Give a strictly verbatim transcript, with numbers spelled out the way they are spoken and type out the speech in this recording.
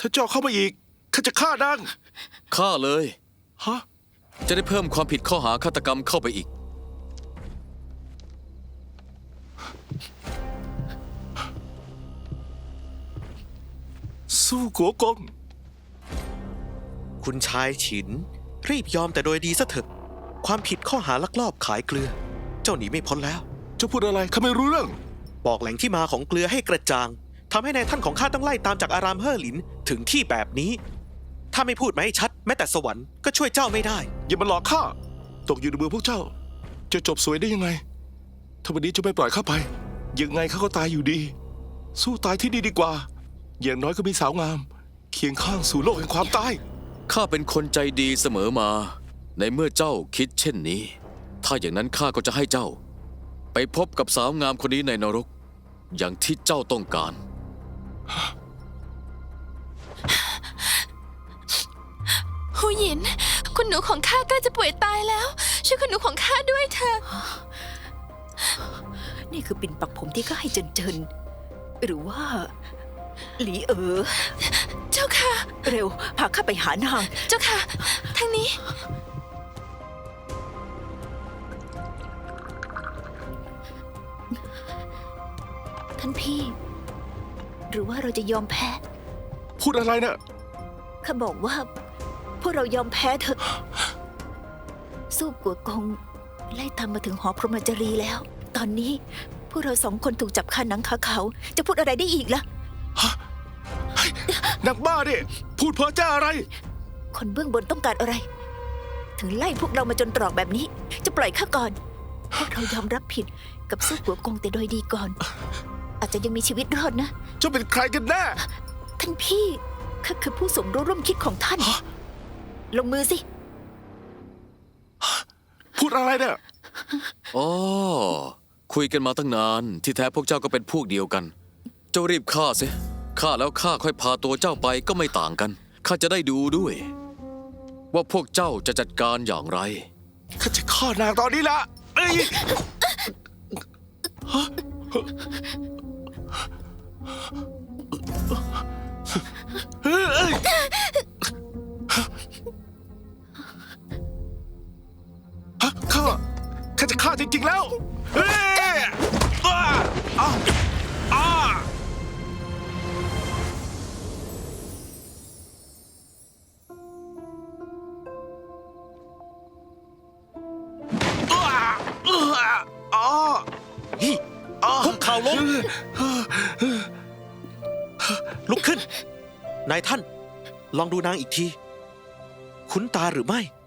ถ้าเจ้าเข้ามาอีกข้าจะฆ่านางฆ่าเลยฮะจะได้เพิ่มความผิดข้อหาฆาตกรรมเข้าไปอีกสู้กัวกงคุณชายฉินรีบยอมแต่โดยดีซะเถอะความผิดข้อหาลักลอบขายเกลือ เจ้าหนีไม่พ้นแล้วเจ้าพูดอะไรข้าไม่รู้เรื่องบอกแหล่งที่มาของเกลือให้กระจ่างทำให้นายท่านของข้าต้องไล่ตามจากอารามเฮ่อหลินถึงที่แบบนี้ ถ้าไม่พูดมาให้ชัดแม้แต่สวรรค์ก็ช่วยเจ้าไม่ได้อย่ามาหลอกข้าตกอยู่ในมือพวกเจ้าจะจบสวยได้ยังไงถ้าวันนี้จะไม่ปล่อยข้าไปยังไงข้าก็ตายอยู่ดี สู้ตายที่นี่ดีกว่าอย่างน้อยก็มีสาวงามเคียงข้างสู่โลกแห่งความตายข้าเป็นคนใจดีเสมอมา ในเมื่อเจ้าคิดเช่นนี้ ถ้าอย่างนั้นข้าก็จะให้เจ้า ไปพบกับสาวงามคนนี้ในนรก อย่างที่เจ้าต้องการหูหยินคุณหนูของข้าใกล้จะป่วยตายแล้วช่วยคุณหนูของข้าด้วยเถอะนี่คือปิ่นปักผมที่ข้าให้เจินเจินหรือว่าหลีเอ๋อเจ้าค่ะเร็วพาข้าไปหานางเจ้าค่ะทางนี้ท่านพี่หรือว่าเราจะยอมแพ้พูดอะไรนะ่ะข้าบอกว่าพวกเรายอมแพ้เถอะสู้กัวกงไล่ตามมาถึงหอพรหมจารีแล้วตอนนี้พวกเราสองคนถูกจับคาหนังคาเขาจะพูดอะไรได้อีกล่ะนักบ้าดิพูดเพ้อเจ้าอะไรคนเบื้องบนต้องการอะไร ถึงไล่พวกเรามาจนตรอกแบบนี้จะปล่อยข้าก่อนพวกเรายอมรับผิดกับสู้กัวกงแต่โดยดีก่อนอาจจะยังมีชีวิตรอดนะเจ้าเป็นใครกันแน่ท่านพี่ข้าคือผู้สมรู้ร่วมคิดของท่านลงมือสิพูดอะไรเนี่ยอ๋อคุยกันมาตั้งนานที่แท้พวกเจ้าก็เป็นพวกเดียวกัน เจ้ารีบฆ่าสิฆ่าแล้วข้าค่อยพาตัวเจ้าไปก็ไม่ต่างกันข้าจะได้ดูด้วย ว่าพวกเจ้าจะจัดการอย่างไรข้าจะฆ่านางตอนนี้ละเอ้ยข้าข้าจะฆ่าจริงๆแล้วเฮ้ยอ้าอ้าอ้าคุกเข่าลงลุกขึ้นนายท่านลองดูนางอีกทีคุ้นตาหรือไม่